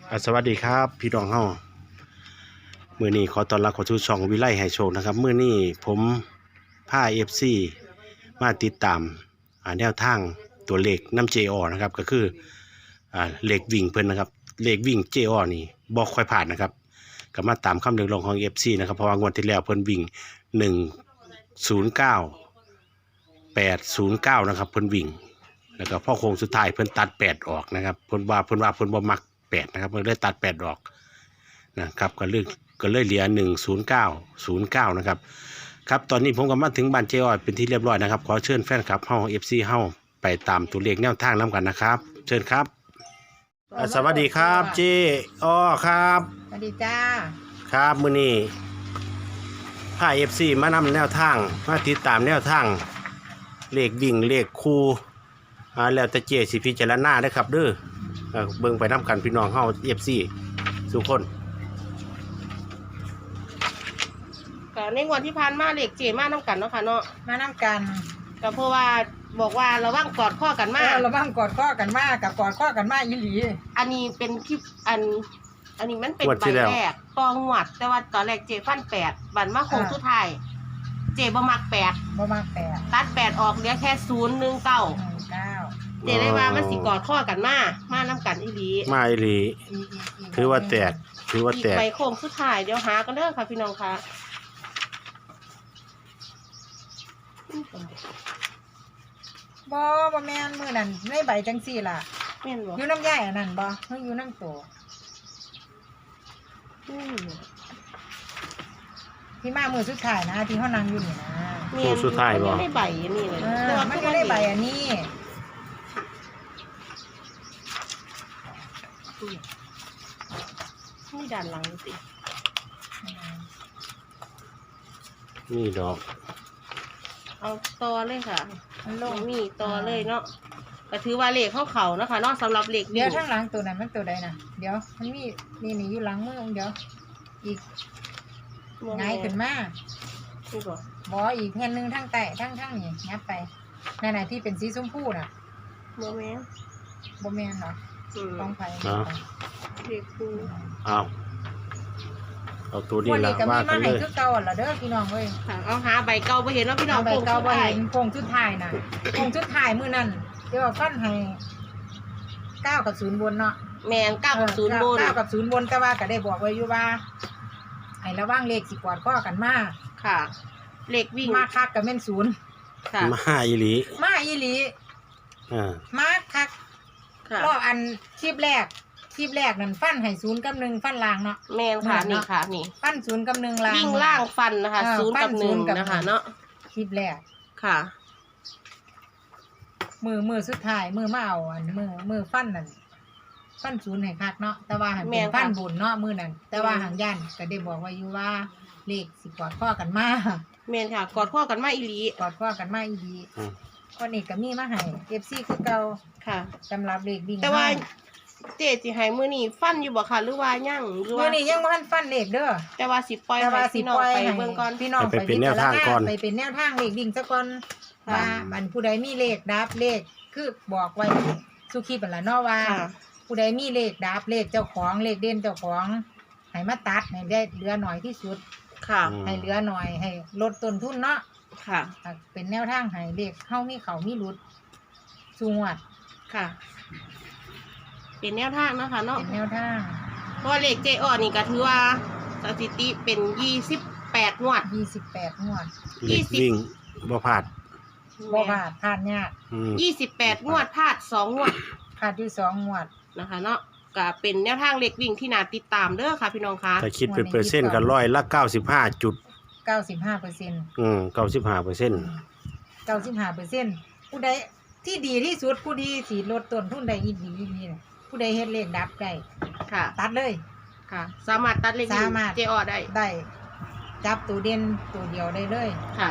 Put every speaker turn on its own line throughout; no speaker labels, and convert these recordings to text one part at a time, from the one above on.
สวัสดีครับพี่น้องเฮามื้อนี้ขอต้อนรับเข้าสู่ช่องวิไลให้โชคนะครับมื้อนี้ผมพา FC มาติดตามแนวทางตัวเลขน้ำ JO นะครับก็คือเลขวิ่งเพิ่นนะครับเลขวิ่ง JO นี่บ่ค่อยผ่านนะครับก็มาตามคำเรียกร้องของ FC นะครับเพราะว่างวดที่แล้วเพิ่นวิ่ง109 809นะครับเพิ่นวิ่งแล้วก็พอโค้งสุดท้ายเพิ่นตัด8ออกนะครับเพิ่นว่าเพิ่นบ่มัก8นะครับเพิ่นเลยตัด8ออกนะครับก็เลยเหลือ10909นะครับครับตอนนี้ผมก็มาถึงบ้านเจอ้อยเป็นที่เรียบร้อยนะครับขอเชิญแฟนคลับเฮา FC เฮาไปตามตัวเลขแนวทางนํกันนะครับเชิญครับสวัสดีครับเจอ้อครับ
สวัสดีจ้า
ครับมื้อนี้พา FC มานำแนวทางมาติดตามแนวทางเลขวิ่งเลขคู่แล้วแต่เจสิพิจารณาเด้อครับเด้อเบิ่งไปนํกันพี่น้องเฮา FC ทุกคน
ก็ในงวดที่ผ่านมาเด็กเจมาน้ำกันเนาะค่ะเนาะ
มาน้ำกัน
ก็เพราะว่าบอกว่าระวังกอดข้อกันมาก
ระวังกอดข้อกันมากกับกอดข้อกันมากอีหลี
อันนี้เป็นคลิปอันนี้มันเป็นใบแรกตองหวดแต่ว่าตอนแรกเจฟัน8บันมาโค้งสุดท้ายเจบ่มัก8
บ่มาก8
ตัด8ออกเหลือแค่019เจได้ว่ามันสิกอดข้อกันมาน้ำกันอีหลี
มาอีหลีถือว่าแตก
อีกใบโค้งสุดท้ายเดี๋ยวหากันเด้อค่ะพี่น้องค่ะ
บ่แม่นมื้อนั้นในใบจังซี่ล่ะ
แม่นบ่
อยู่น้ำใหญ่อันนั้นบ่เฮาอยู่น้ำโตที่มามื้อสุดท้ายนะที่เฮานั่งอยู่นี่นะ
โค้งสุดท้ายบ่
ได้ใบอันนี้เลย
แต่ว่ามันก็ได้ใบอันนี้
นี่ด้านหลังสิ
นี่ดอก
เอาต่อเลยค่ะ
มันลง
นี่ต่อเลยเนาะก็ถือว่าเลขเขานะคะเนาะสำหรับเลข
เดี๋ยวข้างหลังตัวนั้นมันตัวใดนะเดี๋ยวมันมีนี่อยู่หลังมือเดี๋ยวอีกง่ายขึ้นมาบ่อีกแผ่นนึงทั้งใต้ทั้งนี่งับไปนั่นน่ะที่เป็นสีชมพูน่ะ
บ่แม่น
เหรอต้องไป
เลขคู่
เอาตัวนี้ละว่ากันเลย
คือเก่าล่ะเด้อพี่น้องเว้ย
เอาหาใบเก่าบ่เห็นเนาะพี่น้อง
ใบเก่าบ่เห็นโคงชุดท้ายน่ะโคงชุดท้ายมื้อนั้นเดี๋ยวฟันให้9กับ0บนเนาะ
แม่น9กับ0บน
9กับ0บนแต่ว่าก็ได้บอกไว้อยู่ว่าให้ระวังเลขสิกอดข้อกันมา
ค่ะเลขวิ่ง
มาคักก็แม่น0
ค่ะมาอีหลี
มาคักรอบอันคลิปแรกนั่นฟันให้0กับ1ฟันล่างเนาะ
แม่นค่ะนี่ค่ะนี่
ฟัน0กับ1ล่าง
วิ่งล่างฟันนะคะ0กับ1นะคะเนาะ
คลิปแรก
ค่ะ
มือสุดท้ายมือมาเอาอันมือฟันนั่นฟัน0ให้คักเนาะแต่ว่าหันเป็นฟันบุญเนาะมือนั่นแต่ว่าหางยันก็ได้บอกไว้อยู่ว่าเลขสิกอดข้อกันมา
แม่นค่ะกอดข้อกันมาอีหลี
คนนี้ก็มีมาให้ FC คือเก่า
ค่ะ
สำหรับเลขวิ่ง
แต่ว่าเจ๊สิให้มื้อนี้ฟันอยู่บ่ค่ะหรือว่ายังหรือว่า
มื้อนี้ยังบ่ทันฟันเลขเด้อ
แต่ว่าสิปล่อยให้พี่น้องไปเบิ่งก่อน
พี่น้องไปเป็นแนวทางก่อนไปเป็นแนวทางเลขวิ่งซะก่อนว่ามันผู้ใดมีเลขดับเลขคือบอกไว้สุขีเป็นละเนาะว่าผู้ใดมีเลขดับเลขเจ้าของเลขเด่นเจ้าของให้มาตัดให้ได้เหลือหน่อยที่สุด
ค่ะ
ให้เหลือหน่อยให้ลดต้นทุนเนาะ
ค่ะ
เป็นแนวทางให้เลขเฮามีเขามีหลุดสูงวัด
ค่ะเป็นแนวทางนะคะเนาะ
เป็นแนวทาง
เพราะเลขเจอ้อนี่ก็ถือว่าสถิติเป็น28งวด
วิ่งบ่พลาด
พลาดยาก
28งวดพลาด2งวด
พลาดอยู่2งวด
นะคะเนาะก็เป็นแนวทางเลขวิ่งที่น่าติดตามเด้อค่ะพี่น้องค่ะ
ถ้าคิดเป็นเปอร์เซ็นต์ก็95.95%
ผู้ใดที่ดีที่สุดผู้ที่สิลดต้นทุนได้อีหลีน่ะผู้ใดเฮ็ดเลขดับได้
ค่ะ
ตัดเลย
ค่ะสามารถตัดเลขวิ่งเจอ้อ
ได้จับตัวเด่นตัวเดียวได้เลย
ค่ะ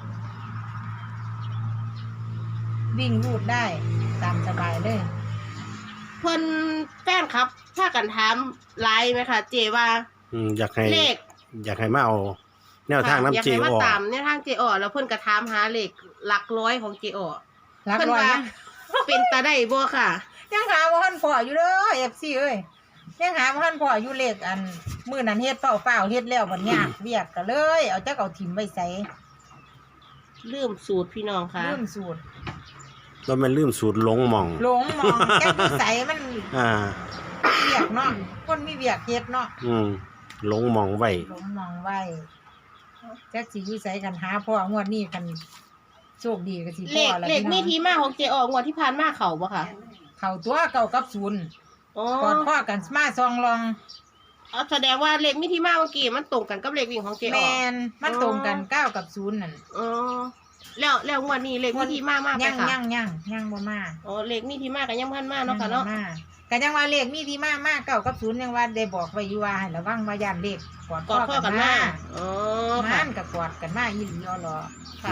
วิ่งรูดได้ตามสบายเลย
เพิ่นแฟนครับถ้ากันถามไลน์ไหมคะเจว่า
อยากให้มาเอาแนวทางน้ำเจอ้ออยากให้
มาตามแนวทางเจอ้อแล้วเพิ่นก็ถามหาเลขหลักร้อยของเจอ้อเพิ่นว่าเป็นตาได้บ่ค่ะ
ยังหาบ่ทันพออยู่เด้อ FC เอ้ยยังหาบ่ทันพออยู่เลขอันมื้อนั้นเฮ็ดเฝ้าๆเฮ็ดแล้วบัดยากเวียกก็เลยเอาจักเอาถิ่มไว้ใส่
ลืมสูตรพี่น้องค่ะ
ลืมสูตร
แล้วมันลืมสูตรหลงหม่อง
หลงมองแก้อยู่ใส่มัน
อ่า
เวียกเนาะคนมีเวียกเฮ็ดเนาะ
หลงหม่องไว้
หลงมองไว้จักสิอยู่ใส่กันหาพ่องวดนี้กันโชคดีก็สิ
เล
พ่อ
ข
แล้ว
เลขมีที่มาของเจออกงวดที่ผ่านมาเขาบ่ค่ะ
เข้าตัวเก่ากับศูนย์
อ๋อก
อดข้อกันมาซองลอง
เอาแสดงว่าเลขมีที่มาเมื่อกี้มันตรงกันกับเลขวิ่งของเจอ
แม
อก
นมันตรงกัน9กับ0นั่น
อ๋อแล้วงวดนี้เลขมีที่มามากไหม
ยัง
คะ
ยังบ่มา
อ๋อเลขมีที่มากันยังพันมาเนาะค่ะเนาะ
ก็ยังว่าเลขมีที่มา9กับ0ยังว่าได้บอกไว้อยู่ว่าให้ระวังว่าย่านเลขกอด
กอดข้อกันมาอ๋อค่ะ
มันก็กอดกันมาอีหลีอ๋อเหรอ
ค่ะ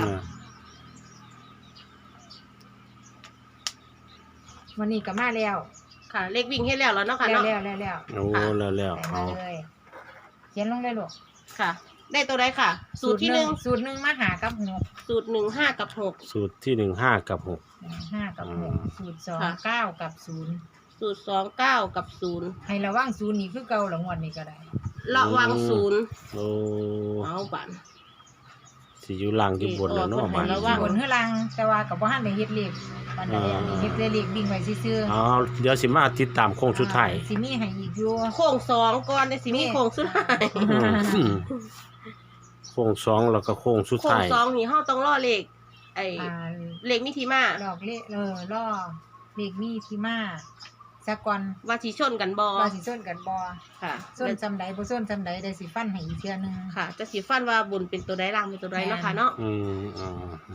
วันนี้ก็มาแล้ว
ค่ะ เลขวิ่งให้แล้วเนาะค่ะ
แล้ว
เนาะ
แล้ว
โอ้แล้ว
ใส่
เอา
มาเลยเขียนลงเลยลูก
ค่ะ ได้ตัวใดค่ะ สูตรที่หนึ่ง
สูตรหนึ่งมาหากับหก
สูตร1 5 กับ
สูตรที่5 กับ
5 กับหกสูตร2
ค่ะ
9 กับ0
6สูตร2 9 กับ
ให้ระวัง0นี่คือเก่าละงวดนี้ก็ได้
0ระวัง0
โอ้
เอาบัน
สิอยู่ล่างอยู่บนแล้วเนาะ
โอ้
มัน
ระวัง
บนเฮือลังแต่ว่ากับบ่ทันได้เฮ็ดเลขปานใดอันนี้เฮ็ดได้เลขวิ่งไว้ซื่อ
อ๋อเดี๋ยวสิมาติดตามโค้งสุดท้าย
สิมีให้อีกอยู่
โค้ง2ก่อนได้สิมีโค้งสุดท้าย
โค้ง2แล้วก็โค้งสุด
โค้ง
ท้าย
2นี่เฮาต้องรอเลขไอ้
อ่า
เลขมีที่มา
ดอกเลขล่อเลขมีที่มาสักก่อน
ว่าสิชนกันบ่
ว่าสิส้นกันบ่
ค่ะ
ส้นจำใดบ่ส้นจำใดได้สิฟันให้อีกเทื่อนึง
ค่ะ จะสิฟันว่าบุญเป็นตัวใดล่างเป็นตัวใดเนาะค่ะเนาะ
อ๋อ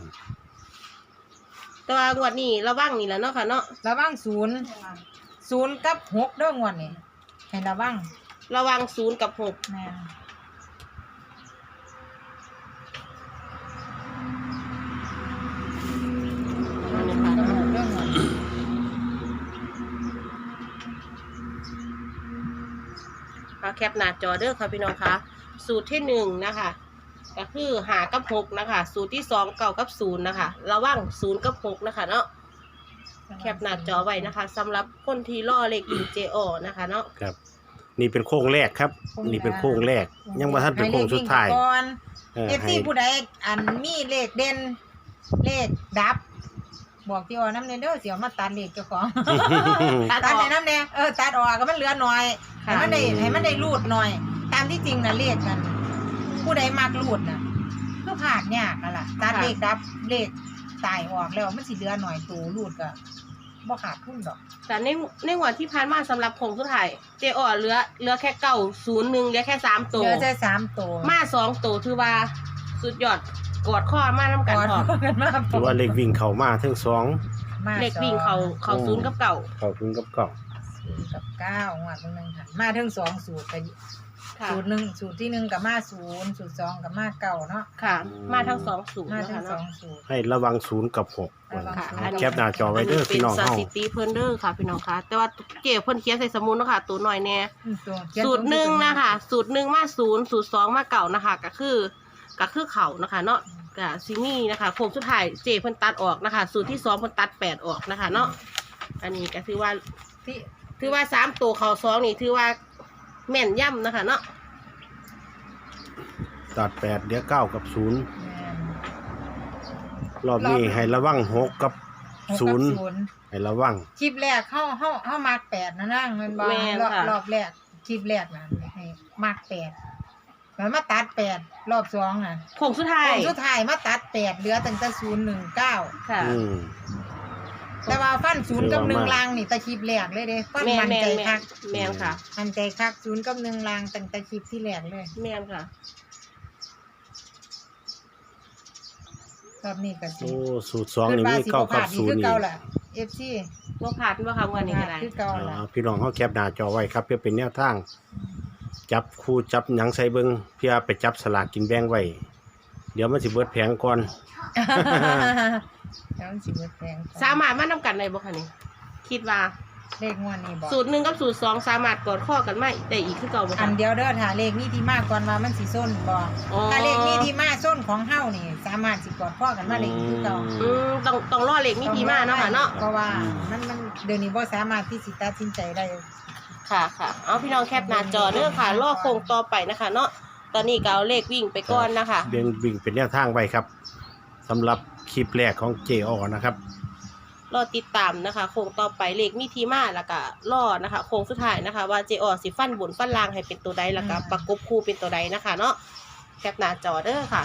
แต่ว่างวดนี้ระวังนี่แหละเนาะค่ะเนาะ
ระวัง0กับ6เด้องวดนี่ให้ระวัง
ระวัง0กับ6
แม่นกับหกเด้องวดนี้
แคปหน้าจอเด้อค่ะพี่น้องคะสูตรที่1นะคะก็คือ5กับ6นะคะ สูตรที่2 9กับ0นะคะระวัง0กับ6นะคะเนาะแคปหน้าจอไว้นะคะสำหรับคนที่ล่อเลขอินเจอนะคะเนาะ
ครับ นี่เป็นโค้งแรกครับ นี่เป็นโค้งแรก ยังบ่ทันเป็นโค้งสุดท้าย
ให้เลขวิ่งก่อน
ให้
FC ผู้ใดอันมีเลขเด่นเลขดับ บอกที่ว่าน้ำเนเด้อเสียวมาตัดเลขเจ้าของ
ตัดอ
ตัด
อก
ในน้ำเนี่ยตัดออกก็มันเหลือหน่อยให้มันได้รูดหน่อย ตามที่จริงนะเลขกัน ผู้ใดมักรูดน่ะคือผ่านยากนั่นล่ะตัดเลขดับเลขตายออกแล้วมันสิเหลือหน่อยตัวรูดก็บ่ขาดทุนดอก
แต่ในงวดที่ผ่านมาสำหรับโค้งสุดท้ายเจอเหลือแค่901เหลือแค่3ตัว
เหลือแค่3ตัว
มา2ตัวถือว่าสุดยอดกอดข้อมานํกัน
ก่อน
พร้อม
กันมา
ถือว่าเลขวิ่งเข้ามาทั้งสอง
มา
เลขวิ่งเขา0กับเก่า
เข้าถึงกับเก่า
0กับ9งวดนึงค่ะมาถึง2สูตรก็
ค่ะ
สูตร1สูตรที่1ก็มา0สูตร2ก็มา9เนาะ
ค่ะ มาทั้ง2สูตร
มา
นะ
ถึง
คะเนาะ
2สูตร
ให้ระวัง0กับ6
ระวัง
ค่ะ
0
แคปหน้าจอไว้เด้อพี่น้อง
เป็น
เฮา
สถิติเพิ่นเด้อค่ะพี่น้องคะแต่ว่าเก็บเพิ่นเขียนใส่สมุดเนาะค่ะตัวหน่อยแน่
ตัว
สูตร1นะคะสูตร1มา0สูตร2มาเก่านะคะก็คือเขานะคะเนาะก็ซินี่นะคะโค้งสุดท้ายเจเพิ่นตัดออกนะคะ สูตรที่2เพิ่นตัด8ออกนะคะเนาะอันนี้ก็ถือว่า3ตัวเขา2นี่ถือว่าแม่นย่ำนะคะเนาะ
ตัด8เดี๋ยว9กับ0รอบนี้ให้ระวัง6กับ0ให้ระวัง
คลิปแรกเข้ามา8นะนั่งมันบ่
แม่นค่ะ
รอบแรกคลิปแรกนะให้มา8แล้วมาตัด8รอบ2น่ะ
โค้งสุดท้าย
คนสุดท้ายมาตัด8เหลือตั้งแต่019
ค่ะ
แต่ว่าฟัน0กับ1ลางนี่แต่คลิปแรกเลยเด้ฟัน
แม่
มัน
น
ใจคัก
แม่นค่ะ
มันใจคัก0กับ1ลางตั้งแต่คลิปที่แรกเลย
แม่นค่ะ
รอบนี้ก็สิ
โอ้สูตร2นี่มี9กับ0
คือ
นี่
เก่าล่ะ FC
ว่าผ่านว่าค่ะวันนี้ก็ได้
คือเก่าล่ะ
พี่น้องเฮาแคปหน้าจอไว้ครับเพื่อเป็นแนวทาง จับคู่จับหยังใส่เบิ่งเพื่อไปจับสลากกินแบ่งไว้ เดี๋ยวมันสิเบิดแผงก่อน
แล้วมันสิเบิดแพง
สามารถมานำกันได้บ่คะนี่คิดว่า
เลขงวดนี้บอก
สูตร1กับสูตร2สามารถกอดข้อกันไม่ได้อีกคือเก่าบ่
อั
คะ
นเดียวเด้อถ้าเลขนี้ที่มาก่อนว่ามันสิส้นบ่
อ๋อ
ถ้าเลขนี้ที่มาส้นของเฮานี่ สามารถสิกอดพ่อกันมาเลขคือเก่า
ต้องรอเลขมีที่มาเนาะค่ะเนาะ
เพราะว่ามันเดี๋ยวนี้บ่สามารถที่สิตัดสินใจได้
ค่ะค่ะเอาพี่น้องแคปหน้าจอเด้อค่ะรอโค้งต่อไปนะคะเนาะตอนนี้ก็เอาเลขวิ่งไปก่อนนะคะ
เดินวิ่งเป็นแนวทางไว้ครับสำหรับคลิปแรกของเจอนะครับ
รอติดตามนะคะโค้งต่อไปเลขมีที่มาแล้วก็รอนะคะโค้งสุดท้ายนะคะ ว่าเจอสิฟันบนฟันล่างให้เป็นตัวใดแล้วก็ประกบคู่เป็นตัวใดนะคะเนาะแคปหน้าจอเด้อค่ะ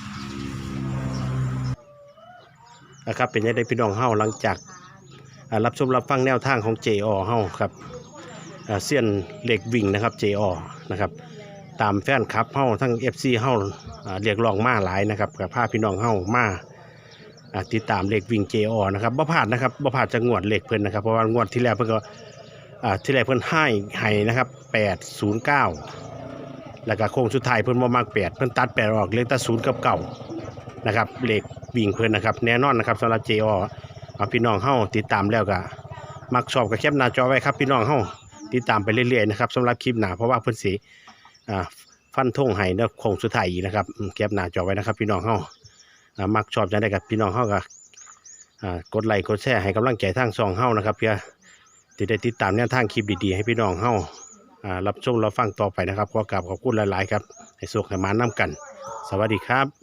นะครับเป็นยังไงพี่น้องเฮาหลังจากรับชมรับฟังแนวทางของเจอเฮาครับเซียนเหล็กวิ่งนะครับเจอนะครับตามแฟนคลับเฮาทั้ง FC เฮาเรียกร้องมาหลายนะครับกับพาพี่น้องเฮามาติดตามเหล็กวิ่งเจอนะครับบ่พลาดนะครับบ่พลาดจะงวดเหล็กเพิ่นนะครับเพราะว่างวดที่แล้วเพิ่นก็ที่แรกเพิ่นให้นะครับ809แล้วก็โค้งสุดท้ายเพิ่นบ่มัก8เพิ่นตัด8ออกเหลือแต่0กับ9นะครับเหล็กวิ่งเพิ่นนะครับแน่นอนนะครับสำหรับเจอพี่น้องเฮาติดตามแล้วก็มักชอบก็แคปหน้าจอไว้ครับพี่น้องเฮาติดตามไปเรื่อยๆนะครับสำหรับคลิปหน้าเพราะว่าเพิ่นสิฟันธงให้ในโค้งสุดท้ายอีกนะครับแคปหน้าจอไว้นะครับพี่น้องเฮามักชอบจังได๋กับพี่น้องเฮาก็กดไลค์กดแชร์ให้กำลังใจทางช่องเฮานะครับเพื่อที่ได้ติดตามแนวทางคลิปดีๆให้พี่น้องเฮารับชมรับฟังต่อไปนะครับขอกราบขอบคุณหลายๆครับให้สุขให้มานำกันสวัสดีครับ